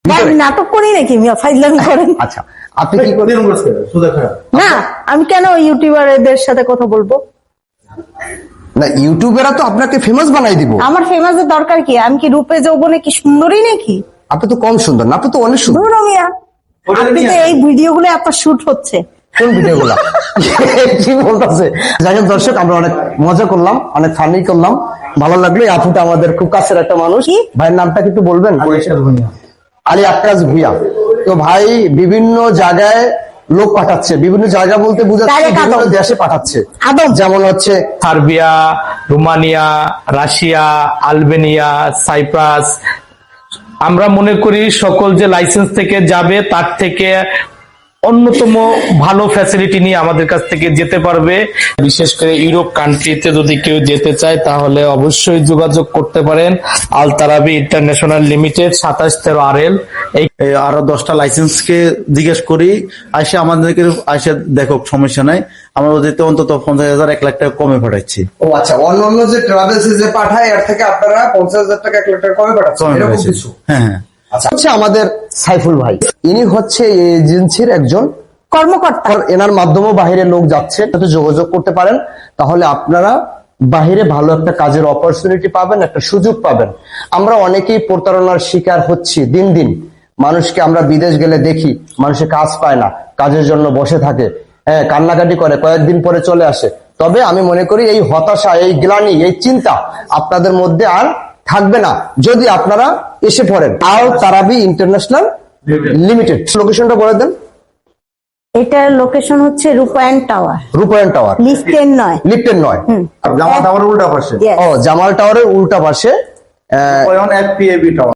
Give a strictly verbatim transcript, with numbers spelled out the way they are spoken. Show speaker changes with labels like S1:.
S1: নাটক করি নাকি মিয়া ফাইজলামি করেন?
S2: আচ্ছা আপনি কি করেন?
S1: না আমি কেন ইউটিউবারদের সাথে কথা বলবো?
S2: না ইউটিউবেরা তো আপনাকে ফেমাস বানাই দিব।
S1: আমার ফেমাসের দরকার কি? আমি কি রূপে যৌবনে কি সুন্দরী নাকি?
S2: আপনি তো কম সুন্দর না, আপনি তো অনেক সুন্দর।
S1: ধুর মিয়া, আপনি তো এই ভিডিওগুলো আপনার শুট হচ্ছে।
S2: কোন ভিডিওগুলো? কি বলতেছে? যাই হোক দর্শক, আমরা অনেক মজা করলাম, অনেক ফানি করলাম, ভালো লাগলো। এই আপুটা আমাদের খুব কাছের একটা মানুষ। ভাইয়ের নামটা কিন্তু বলবেন? আলী আক্কাস ভুইয়া। তো ভাই বিভিন্ন জায়গায় লোক পাঠাচ্ছে, বিভিন্ন জায়গা বলতে বুঝাচ্ছে বিভিন্ন দেশে পাঠাচ্ছে, যেমন হচ্ছে
S3: Serbia, Romania, Russia, Albania, Cyprus. আমরা মনে করি সকল যে লাইসেন্স থেকে যাবে তার থেকে অন্যতম ভালো ফ্যাসিলিটি নিয়ে আমাদের কাছ থেকে যেতে পারবে। বিশেষ করে ইউরোপ কান্ট্রিতে যদি কেউ যেতে চায় তাহলে অবশ্যই যোগাযোগ করতে পারেন আল তারাবি ইন্টারন্যাশনাল লিমিটেড, সাতাশ তেরো আর এল। এই
S4: আরো দশটা লাইসেন্স কে জিজ্ঞেস করি, আসে আমাদেরকে আসে দেখো সমস্যা নাই, আমরা ওদেরকে অন্তত পঞ্চাশ হাজার এক লাখ টাকা কমে পাঠাচ্ছি।
S2: ও আচ্ছা, অন্যান্য যে ট্রাভেলস যে পাঠায় এর থেকে আপনারা পঞ্চাশ হাজার টাকা এক লাখ টাকা কমে পাঠাচ্ছেন, এরকম কিছু?
S4: হ্যাঁ হ্যাঁ।
S2: আচ্ছা, হচ্ছে আমাদের সাইফুল ভাই, ইনি হচ্ছে এই এজেন্সির একজন
S1: কর্মকর্তা।
S2: এনার মাধ্যমে বাইরে লোক যাচ্ছেন, তো যোগাযোগ করতে পারেন, তাহলে আপনারা বাহিরে ভালো একটা কাজের অপরচুনিটি পাবেন, একটা সুযোগ পাবেন। আমরা অনেকেই প্রতারণার শিকার হচ্ছি দিন দিন। মানুষকে আমরা বিদেশ গেলে দেখি মানুষের কাজ পায় না, কাজের জন্য বসে থাকে, হ্যাঁ কান্নাকাটি করে, কয়েকদিন পরে চলে আসে। তবে আমি মনে করি এই হতাশা, এই গ্লানি, এই চিন্তা আপনাদের মধ্যে আর থাকবে না যদি আপনারা এসে পড়েন আল তারাবি ইন্টারন্যাশনাল লিমিটেড। লোকেশনটা বলে দেন।
S1: এটার লোকেশন হচ্ছে রূপায়ণ টাওয়ার।
S2: রূপায়ণ টাওয়ার,
S1: লিফটেন নয়।
S2: লিফটেন নয়,
S4: জামাল টাওয়ারের উল্টা পাশে।
S1: Yes.
S2: ও জামাল টাওয়ারের উল্টা পাশে
S4: রূপায়ণ এক পিএবি টাওয়ার।